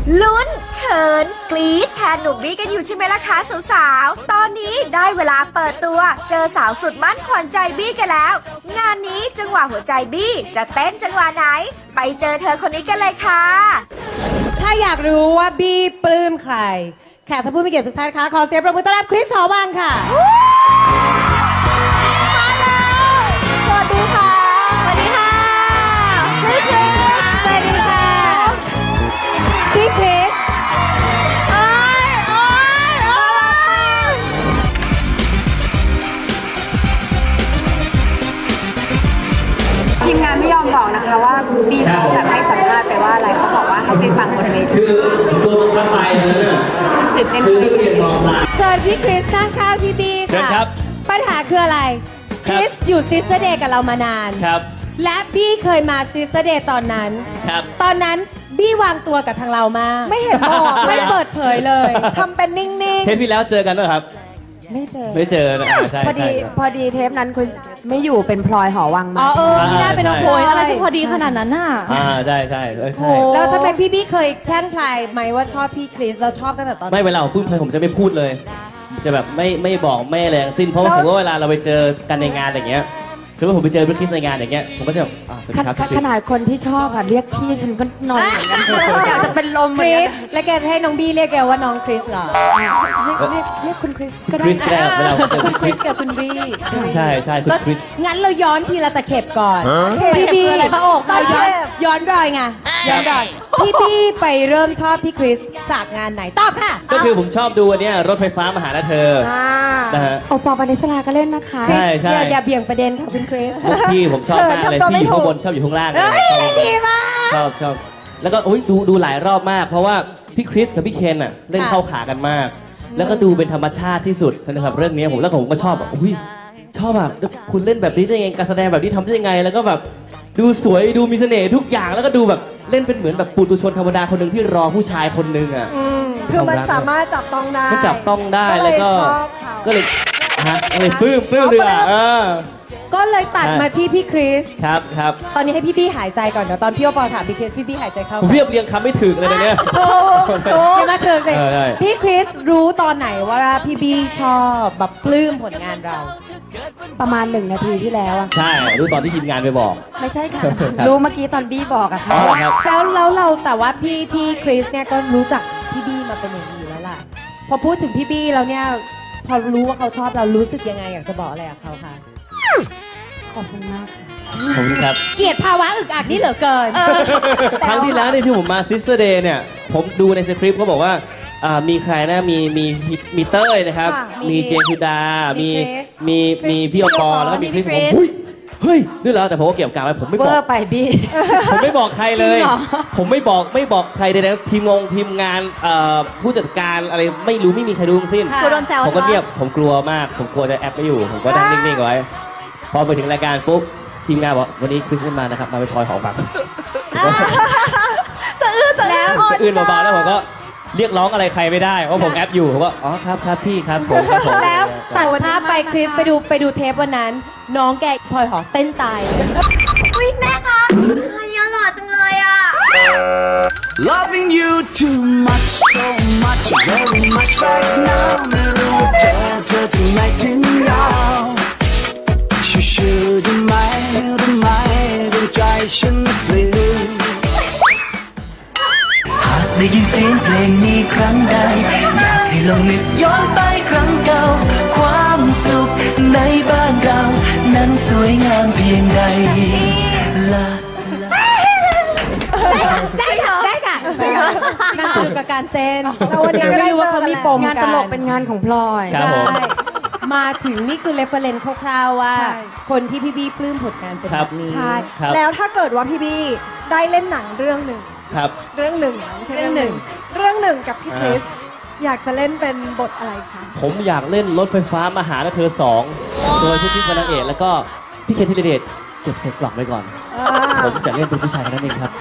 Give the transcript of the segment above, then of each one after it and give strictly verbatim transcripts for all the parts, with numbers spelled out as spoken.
ลุ้นเขินกรี๊ดแทนหนุ่มบี้กันอยู่ใช่ไหมล่ะคะสาวๆตอนนี้ได้เวลาเปิดตัวเจอสาวสุดมั่นขวัญใจบี้กันแล้วงานนี้จังหวะหัวใจบี้จะเต้นจังหวะไหนไปเจอเธอคนนี้กันเลยค่ะถ้าอยากรู้ว่าบี้ปลื้มใครแขกท่านผู้มีเกียรติทุกท่านคะขอเสียงปรบมือต้อนรับคริสหอวังค่ะมาแล้วสวัสดีค่ะสวัสดีค่ะพี่คริสสวัสดีค่ะพี่คริสโอ๊ยโอ๊ยโอ๊ยทีมงานไม่ยอมบอกนะคะว่าบีเขาแบบให้สัมภาษณ์ไปว่าอะไรเขาบอกว่าให้ไปฟังบนเวทีคือตัวมันก็ไปเลยเนี่ยตื่นเต้นคือนักเรียนมองมาเชิญพี่คริสนั่งข้างพี่บีค่ะปัญหาคืออะไรคริสอยู่ซิสเตอร์เดย์กับเรามานานครับและบี้เคยมาซิสเตอร์เดย์ตอนนั้นครับตอนนั้นบี้วางตัวกับทางเรามากไม่เห็นบอกไม่เปิดเผยเลยทำเป็นนิ่งๆเทปที่แล้วเจอกันด้วยครับไม่เจอไม่เจอนะใช่พอดีพอดีเทปนั้นคุณไม่อยู่เป็นพลอยหอวังมาอ๋อเออไม่ได้เป็นน้องพลอยอะไรที่พอดีขนาดนั้นน่ะอ่าใช่ใช่ใช่แล้วทำไมพี่บี้เคยแช่งพลายไหมว่าชอบพี่คริสเราชอบตั้งแต่ตอนไม่เวลาผมพูดผมจะไม่พูดเลยจะแบบไม่ไม่บอกไม่อะไรทั้งสิ้นเพราะว่าผมว่าเวลาเราไปเจอกันในงานอย่างเงี้ยสมมติผมไปเจอพี่คริสในงานอย่างเงี้ยผมก็จะแบบสวัสดีครับขนาดคนที่ชอบอะเรียกพี่ฉันก็นอนเหมือนกันอยากจะเป็นลมคริสและแกจะให้น้องบี้เรียกแกว่าน้องคริสเหรอเรียกเรียกคุณคริสก็ได้คริสก็ได้เวลาเจอคุณคริสกับคุณบี้ใช่ใช่คุณคริสงั้นเราย้อนทีละตะเข็บก่อนพี่บี้อะไรพระอกเราย้อนย้อนรอยไงย้อนรอยพี่บี้ไปเริ่มชอบพี่คริสจากงานไหนตอบค่ะก็คือผมชอบดูอันเนี้ยรถไฟฟ้ามาหาเธอนะฮะโอปอล์ปานิสลาก็เล่นนะคะใช่ใช่อย่าเบี่ยงประเด็นค่ะคุณคริสที่ผมชอบมากเลยที่อยู่ข้างบนชอบอยู่ข้างล่างดีมากชอบชอบแล้วก็โอ้ยดูดูหลายรอบมากเพราะว่าพี่คริสกับพี่เคนอ่ะเล่นเข้าขากันมากแล้วก็ดูเป็นธรรมชาติที่สุดสำหรับเรื่องนี้ผมแล้วผมก็ชอบแบบอุ้ยชอบแบบคุณเล่นแบบนี้ได้ยังไงการแสดงแบบนี้ทำได้ยังไงแล้วก็แบบดูสวยดูมีเสน่ห์ทุกอย่างแล้วก็ดูแบบเล่นเป็นเหมือนแบบปุถุชนธรรมดาคนหนึ่งที่รอผู้ชายคนหนึ่งอ่ะคือมันสามารถจับต้องได้มันจับต้องได้แล้วก็ก็เลยฮะก็เลยปลื้มปลื้มเลยอ่ะก็เลยตัดมาที่พี่คริสครับครับตอนนี้ให้พี่บี้หายใจก่อนเดี๋ยวตอนพี่โอปอถามพี่คริสพี่บี้หายใจเข้าผมเรียบเรียงคำไม่ถึงเลยเนี่ยถูกถูกมาถึงเลยพี่คริสรู้ตอนไหนว่าพี่บี้ชอบแบบปลื้มผลงานเราประมาณหนึ่งนาทีที่แล้วอะใช่รู้ตอนที่ทีมงานไปบอกไม่ใช่ค่ะรู้เมื่อกี้ตอนบี้บอกอะค่ะแล้วแล้วเราแต่ว่าพี่พี่คริสเนี่ยก็รู้จักพี่บี้มาเป็นอย่างดีแล้วล่ะพอพูดถึงพี่บี้แล้วเนี่ยพอรู้ว่าเขาชอบเรารู้สึกยังไงอยากจะบอกอะไรกับเขาคะขอบคุณมากค่ะขอบคุณครับเกลียดภาวะอึกอักนี่เหลือเกินครั้งที่แล้วที่ผมมาซิสเตอร์เดย์เนี่ยผมดูในสคริปต์เขาบอกว่ามีใครนะมีมีมีเต้ยนะครับมีเจนสุดามีมีมีพี่อปอแล้วก็มีคริสผมเฮ้ยนี่แล้วแต่ผมก็เก็บกาไว้ผมไม่บอกไปบี้ผมไม่บอกใครเลยผมไม่บอกไม่บอกใครใดๆทีมงงทีมงานผู้จัดการอะไรไม่รู้ไม่มีใครรู้ทั้งสิ้นผมก็เงียบผมกลัวมากผมกลัวจะแอบไม่อยู่ผมก็นั่งนิ่งๆไว้พอไปถึงรายการปุ๊บทีมงานบอกวันนี้คริสไม่มานะครับมาเป็นพลอยหอวังสะอื้นแล้วสะอื้นเบาๆแล้วผมก็เรียกร้องอะไรใครไม่ได้เพราะผมแอปอยู่ผมก็อ๋อครับครับพี่ครับผมแล้วตัดภาพไปคริสไปดูไปดูเทปวันนั้นน้องแกพลอยหอเต้นตายอุ๊ยแม่คะใครหล่อจังเลยอ่ะ Loving you too much so much very much right now ไม่รู้ว่าเธอเธอถึงไหนถึงยาวชื่อได้ไหมรู้ไหมดวงใจฉันเปลี่ยนหากได้ยินเสียงเพลงนี้ครั้งใดอยากให้ลองนึกย้อนไปครั้งเก่าความสุขในบ้านเรานั้นสวยงามเพียงใดลาได้ค่ะได้ค่ะนั่งอยู่กับการเต้นแล้ววันนี้ก็ไม่รู้ว่าเขามีปมงานตลกเป็นงานของพลอยใช่มาถึงนี่คือเรฟเฟอเรนซ์คร่าวๆว่าคนที่พี่บี้ปลื้มผลงานเป็นแบบนี้ใช่แล้วถ้าเกิดว่าพี่บี้ได้เล่นหนังเรื่องหนึ่งเรื่องหนึ่งไม่ใช่เรื่องหนึ่งเรื่องหนึ่งกับพี่คริสอยากจะเล่นเป็นบทอะไรคะผมอยากเล่นรถไฟฟ้ามาหาเธอสองโดยพี่คริสเป็นนางเอกแล้วก็พี่เคนธีรเดชเก็บใส่กล่องไว้ก่อนผมจะเล่นเป็นผู้ชายคนนั้นเองครับ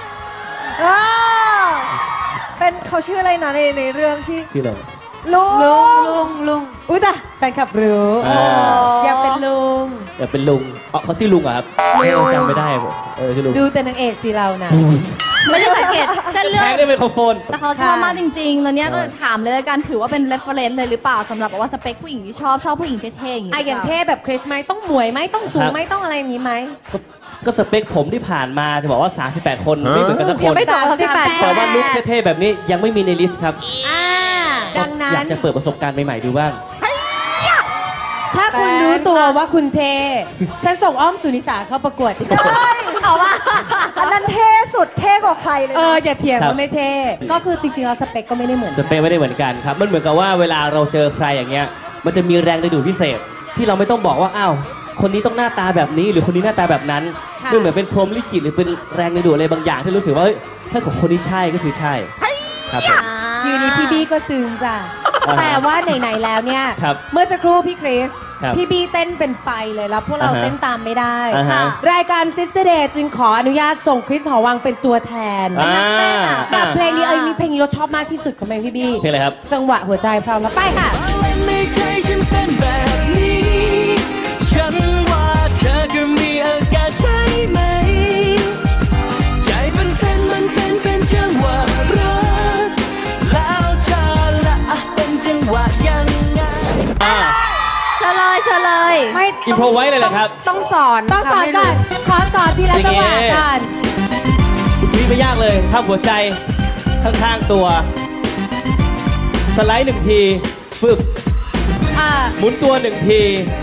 เป็นเขาชื่ออะไรนะในในเรื่องที่ชื่ออะไรลุงลุงลุงลุงอุ้ยแต่แฟนคลับรู้อยากเป็นลุงอยากเป็นลุงอ๋อเขาชื่อลุงเหรอครับเออจำไม่ได้ผมเออชื่อลุงดูแต่นางเอกสิเรานะไม่ได้สังเกตเส้นเลือแพดงได้ไมโครโฟนแต่เขาชอบมากจริงๆ แล้วเนี้ยก็ถามเลยละกันถือว่าเป็น reference เลยหรือเปล่าสำหรับว่าสเปคผู้หญิงที่ชอบชอบผู้หญิงเท่ๆอย่างนี้อ่ะอย่างเท่แบบคริสไหมต้องหมวยไหมต้องสูงไหมต้องอะไรอย่างนี้ไหมก็ก็สเปคผมที่ผ่านมาจะบอกว่า สามสิบแปด คนไม่เหมือนกันสักคยังนไม่จบสามสิบแปดแต่ว่าลุคเท่ๆแบบนี้ยังไม่มีในลิสต์ครับอ่าดังนั้อยาน กจะเปิดประสบการณ์ใหม่ๆดูบ้างถ้าคุณรู้ตัวว่าคุณเท ฉันส่งอ้อมสุนิสาเข้าประกวดดีกว่าเอาว่าอันนั้นเท่สุดเท่กว่าใครเลยเอนะออย่าเถียงครับว่าไม่เท ก็คือจริงๆแล้วสเปคก็ไม่ได้เหมือนสเปคไม่ได้เหมือนกันครับ มันเหมือนกับว่าเวลาเราเจอใครอย่างเงี้ย มันจะมีแรงดึงดูดพิเศษ ที่เราไม่ต้องบอกว่าอ้าวคนนี้ต้องหน้าตาแบบนี้หรือคนนี้หน้าตาแบบนั้นมันเหมือนเป็นพรหมลิขิตหรือเป็นแรงดึงดูดอะไรบางอย่างที่รู้สึกว่าเฮ้ยถ้าของคนนี้ใช่ก็คือใช่ครับผมอยู่นี้พี่บี้ก็ซึ้งจ้ะอ่าฮะแต่ว่าไหนๆแล้วเนี่ยครับเมื่อสักครู่พี่คริสครับพี่บี้เต้นเป็นไฟเลยแล้วพวกเราอ่าฮะเต้นตามไม่ได้อ่าฮะรายการ Sister Day จึงขออนุญาตส่งคริสหอวังเป็นตัวแทนอ่ากับเพลงนี้เอ้ยนี่เพลงนี้เราชอบมากที่สุดของแมงพี่บี้เพลงอะไรครับจังหวะหัวใจพร้อมแล้วไปค่ะในใจฉันเป็นแบบนี้ ฉันว่าเธอก็มีอาการใช่ไหม ใจมันเป็นมันเป็นเป็นจังหวะรักแล้วเธอละเป็นจังหวะยังไงอ่าเฉลยเฉลยไม่อินโพรไว้เลยเหรอครับต้องสอนต้องสอนทำให้ก่อนรู้ขอสอนทีละจังหวะอย่างงี้ก่อนนี่ไม่ยากเลยทำหัวใจข้างๆตัว สไลด์หนึ่งทีฟึบอ่าหมุนตัวหนึ่งที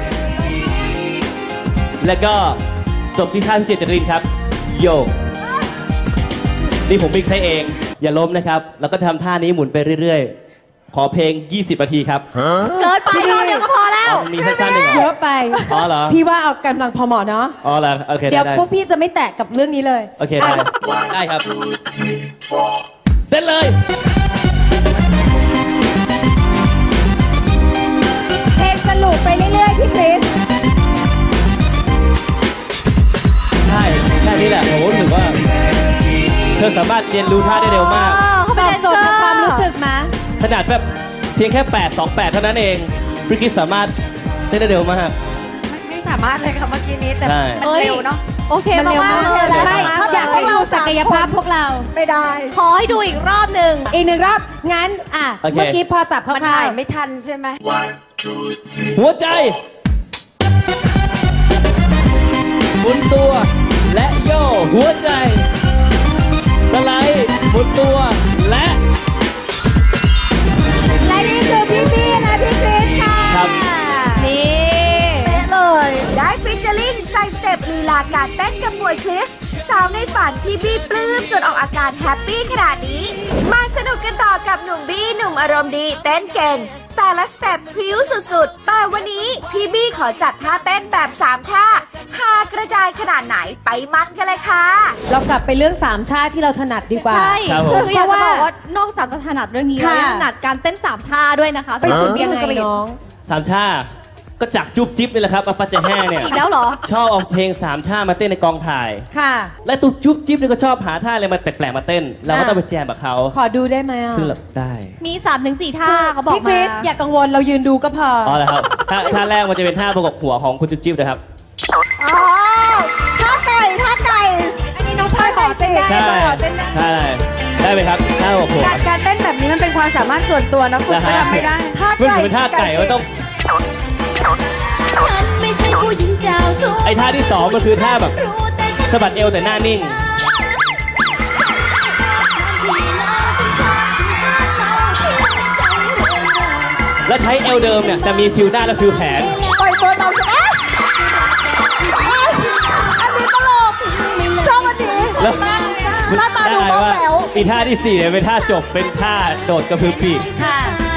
แล้วก็จบที่ท่าพี่เจเจรินครับ โยกนี่ผมมิกซ์ให้เอง อย่าล้มนะครับ แล้วก็ทำท่านี้หมุนไปเรื่อยๆ ขอเพลง ยี่สิบ นาทีครับเกินไปรอบเดียวก็พอแล้วอ๋อมันมีสั้นๆหนึ่งเหรเยออะไปอ๋อเหรอพี่ว่าเอากำลังพอเหมาะเนาะอ๋อเหรอโอเคเดี๋ได้ยวได้พวกพี่จะไม่แตะกับเรื่องนี้เลยโอเคได้ได้ครับเต้นเลยเพลงสรุปไปเรื่อยๆพี่คริสใช่แค่นี้แหละผมรู้สึกว่า เธอสามารถเรียนรู้ท่าได้เร็วมากเขาตเป็นอบแดนโจเซทอย์ร์ของความรู้สึกมาขนาดแบบเพียงแค่แปด สอง แปดเท่านั้นเองบริกิสสามารถเต้นได้เร็วมากไม่สามารถเลยค่ะเมื่อกี้นี้แต่ใช่มันเร็วเนาะโอเคมันเร็วมากเลยไม่มากอยากให้เราศักยภาพพวกเราไม่ได้ขอให้ดูอีกรอบหนึ่งอีกหนึ่งรอบ งั้น อ่ะโอเคเมื่อกี้พอจับคมันร่าถ่ายว ไม่ทันใช่ไหมหัวใจหมุนตัวและโยกหัวใจสไลด์หมุนตัวและๆและนี่คือพี่บี้และพี่คริสค่ะครับนี่เป๊ะเลยได้ฟิชเจอริงใส่สเต็ปลีลาการเต้นกับมวยคริส สาวในฝันที่บี้ปลื้มจนออกอาการแฮปปี้ขนาดนี้ มาสนุกกันต่อกับหนุ่มบี้หนุ่มอารมณ์ดีเต้นเก่ง แต่ละสเต็ปพริ้วสุดๆ แต่วันนี้พี่บี้ขอจัดท่าเต้นแบบสามชาฮากระจายขนาดไหนไปมันกันเลยค่ะเรากลับไปเรื่องสามชาติที่เราถนัดดีกว่าใช่ครับผมคืออยากจะบอกว่านอกจากจะถนัดเรื่องนี้แล้วค่ะยังถนัดการเต้นสามท่าด้วยนะคะไปฝึกยังไงสำหรับน้องสามชาก็จากจุ๊บจิ๊บนี่แหละครับอาปาเจแห่เนี่ยอีกแล้วเหรอชอบเอาเพลงสามชามาเต้นในกองถ่ายค่ะและตุ๊จุ๊บจิ๊บนี่ก็ชอบหาท่าอะไรมาแปลกๆมาเต้น เราก็ต้องไปแจมกับเขาขอดูได้ไหมอ่ะซึ่งเราได้มีสามถึงสี่ท่าเขาบอกพี่คมาริสอย่ากังวลเรายืนดูก็พออ๋อเหรอครับท่าท่าแรกมันจะเป็นท่าประกบหัวของคุณจุ๊บจิ๊บนะครับอ๋อท่าไก่ท่าไก่ อันนี้น้องพลอยขอเต้นได้ใช่พลอยขอเต้นได้ใช่ได้ไหมครับท่าประกบหัวการการเต้นแบบนี้มันเป็นความสามารถส่วนตัวนะคุณนะก็ฮะทำไม่ได้ท่าเมื่อไก่เป็นท่าไก่มันต้องฉันไม่ใช่ผู้หญิงเจ้าชู้ไอ้ท่าที่สองมันคือท่าแบบสะบัดเอวแต่หน้านิ่ง แล้วใช้เอวเดิมเนี่ยแต่มีฟิวหน้าและฟิวแขนปล่อยตัวตามอ่ะเอ้ยอันนี้ตลกชอบอันนี้แล้วหน้าตาดูได้บ้าว่าแป๋วอีท่าที่สี่เนี่ยเป็นท่าจบเป็นท่าโดดกระพือปีกค่ะ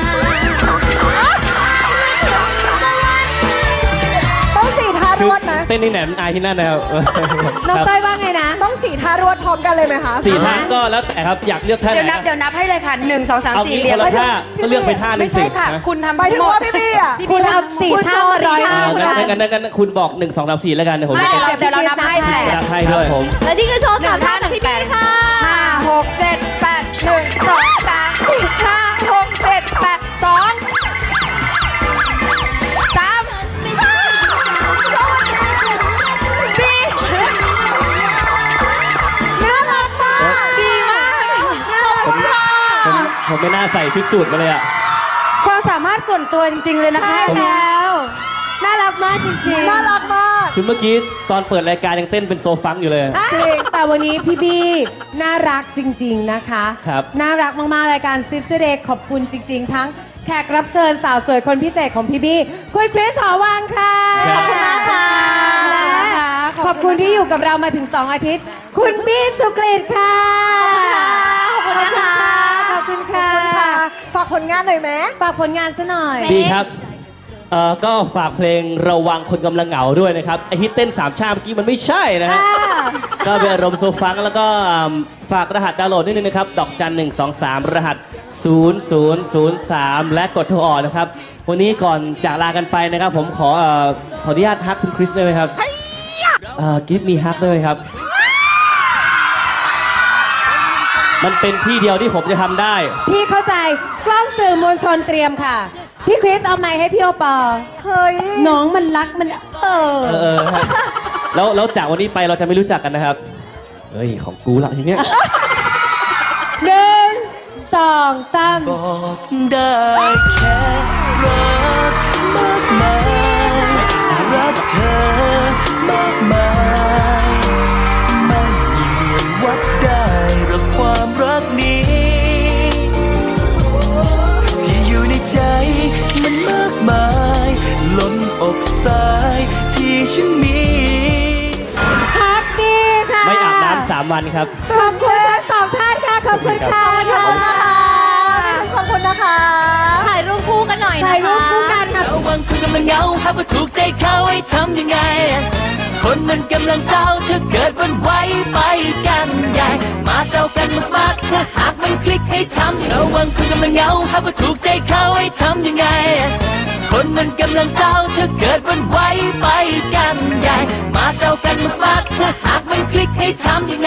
ต้องสี่ท่ารวดนะเต้นที่ไหนมันอายที่นั่นนะครับน้องครับเต้ยว่าไงนะต้องสี่ท่ารวดพร้อมกันเลยไหมคะสี่ท่าก็แล้วแต่ครับอยากเลือกท่าไหเดี๋ยวน นับนะเดี๋ยวนับให้เลยค่ะหนึ่งสองสามเอาสี่งี้เรียคงนละท่าก็เลือกไปท่าหนึไม่งสิใช่ค่ะนะคุณทำหมายถึงว่าพี่บี้อ่ะคุณเอาสี่ท่ามาร้อยอ่าท่างั้นกันงั้นงั้นงั้นคุณบอกหนึ่งสองสามสี่แล้วกันเดี๋ยวผมไม่จะเดี๋ยวเดี๋ยวเรานับให้แหละรับให้ด้วยผมและนี่คือโชว์สามท่าจากพี่บี้ค่ะห้าหกเจ็ดแปดหนึ่งสองสามสี่ห้าหกเจ็ดแปดสองสามผมไม่น่าใส่ชุดสูทมาเลยอะความสามารถส่วนตัวจริง ๆ เลยนะคะใช่แล้ว น่ารักมากจริงๆน่ารักมากคือเมื่อกี้ตอนเปิดรายการยังเต้นเป็นโซฟังอยู่เลยจริงแต่วันนี้พี่บี้น่ารักจริง ๆ นะคะครับน่ารักมาก ๆ รายการ Sister Day ขอบคุณจริง ๆ ทั้งแขกรับเชิญสาวสวยคนพิเศษของพี่บี้คุณคริสหอวังค่ะครับขอบคุณมากค่ะและขอบคุณที่อยู่กับเรามาถึง สอง อาทิตย์ คุณบี้สุกฤตค่ะขอบคุณนะคะขอบคุณค่ะฝากผลงานหน่อยไหมฝากผลงานซะหน่อยดีครับเอ่อก็ฝากเพลงระวังคนกำลังเหงาด้วยนะครับไอฮิตเต้นสามชาเมื่อกี้มันไม่ใช่นะฮะ ก็เป็นอารมณ์โซฟังแล้วก็ฝากรหัสดาวน์โหลดนิดนึงนะครับ ดอกจันหนึ่งสองสามรหัสศูนย์ศูนย์ศูนย์สามและกดโทรออกนะครับ วันนี้ก่อนจากลากันไปนะครับ ผมขอเอ่อขออนุญาตฮักคุณคริสได้ไหมครับเอ่อกิฟมีฮักได้ไหมครับ มันเป็นที่เดียวที่ผมจะทำได้พี่เข้าใจกล้องสื่อมวลชนเตรียมค่ะ พี่คริสเอาไมค์ให้พี่โอปอล์เฮ้ยน้องมันรักมันเออเออเออฮะแล้วแล้วจากวันนี้ไปเราจะไม่รู้จักกันนะครับ เฮ้ย ของกูละทีเนี้ยหนึ่งสองสามบอกได้แค่รักมากมายรักเธอมากมายไม่มีเมือนวัดได้หรอกความรักนี้ที่อยู่ในใจมันมากมายล้นอกสายที่ฉันมีพักดีค่ะไม่อาบน้ำสามวันครับขอบคุณทั้งสองท่านค่ะ ขอบคุณค่ะขอบคุณนะคะขอบคุณนะคะถ่ายรูปคู่กันหน่อยนะคะถ่ายรูปคู่กันค่ะระวังคุณกำลังเหงาหากว่าถูกใจเขาให้ทำยังไง คนมันกำลังเศร้าถ้าเกิดมันไหวไปกันใหญ่มาเศร้ากันมากๆถ้าหากมันคลิกให้ทำระวังคุณกำลังเหงาหากว่าถูกใจเขาให้ทำยังไง คนมันกำลังเศร้าถ้าเกิดมันไหวไปกันใหญ่มาเศร้ากันมากๆถ้าหากมันคลิกให้ทำยังไง